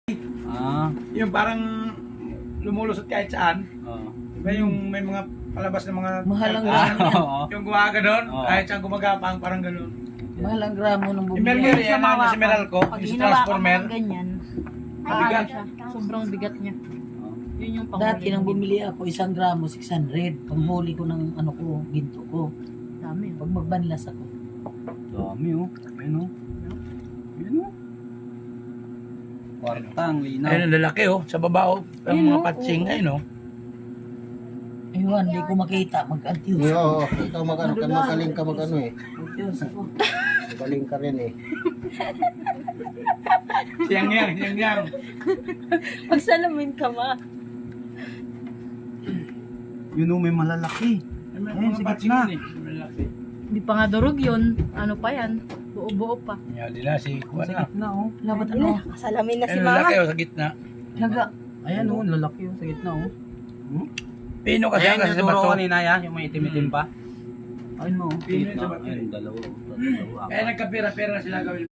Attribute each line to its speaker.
Speaker 1: Ah,
Speaker 2: Yung parang lumulusot kahit saan.
Speaker 1: oo.
Speaker 2: Diba yung may mga palabas ng mga...
Speaker 3: Mahal ang
Speaker 1: Ah,
Speaker 3: gramo yan.
Speaker 1: oo.
Speaker 2: Yung gumaga doon,
Speaker 1: Oo.
Speaker 2: kahit saan gumagapang, parang gano'n.
Speaker 3: Mahal ang gramo ng
Speaker 2: Yung
Speaker 3: bumili.
Speaker 2: Mercury, yan ang si Meralco,
Speaker 4: Pag
Speaker 2: yung si
Speaker 4: hinawakan mo
Speaker 2: Transformer.
Speaker 4: ng ganyan,
Speaker 2: Bigat.
Speaker 4: siya. Sobrang bigat niya. Yun yung panghuli.
Speaker 3: Dati nang bumili ako, 1 gramo, 600. Panghuli ko ng ano ko, ginto ko.
Speaker 4: Dami.
Speaker 3: Pag magbanlas ako.
Speaker 1: Dami oh. Ayun oh. Ayun oh. Kwartang, linaw.
Speaker 2: Ayun ang lalaki oh, sa baba oh. Ang
Speaker 4: Ayun,
Speaker 2: mga
Speaker 4: oh,
Speaker 2: patsing, ayun oh.
Speaker 3: Ayun, hindi ko makita. Mag-antius.
Speaker 5: Oo, ikaw mag-ano ka, magaling ka mag-ano eh.
Speaker 3: Antius ako.
Speaker 5: Magaling ka rin eh.
Speaker 2: Siyang yang.
Speaker 4: Pagsalamin ka ma.
Speaker 1: Yun oh, may malalaki. Ayun,
Speaker 2: Mga
Speaker 1: sa
Speaker 2: patsing
Speaker 1: gitna.
Speaker 2: yun eh, lalaki.
Speaker 4: Hindi pa nga durog yun. Ano pa yan? Buo-buo pa.
Speaker 2: Yan din na si Juan
Speaker 1: Sa
Speaker 2: na.
Speaker 1: gitna oh.
Speaker 3: Labat ano?
Speaker 4: Kasalamin na si
Speaker 2: Ayun,
Speaker 4: mama.
Speaker 2: lalaki oh, sa gitna.
Speaker 3: Laga.
Speaker 1: Ayan oh, lalaki oh, sa gitna oh.
Speaker 2: Pino kasi
Speaker 1: Ayan
Speaker 2: kasi
Speaker 1: yung
Speaker 2: sa
Speaker 1: turo
Speaker 2: bato.
Speaker 1: kanina ya, yung may itim-itim pa. Ayun mo, oh.
Speaker 2: Pino sa
Speaker 1: Gitna.
Speaker 2: bato.
Speaker 1: Ayun, dalawa oh. Dalawa.
Speaker 2: Kaya nagkapira-pira sila gawin.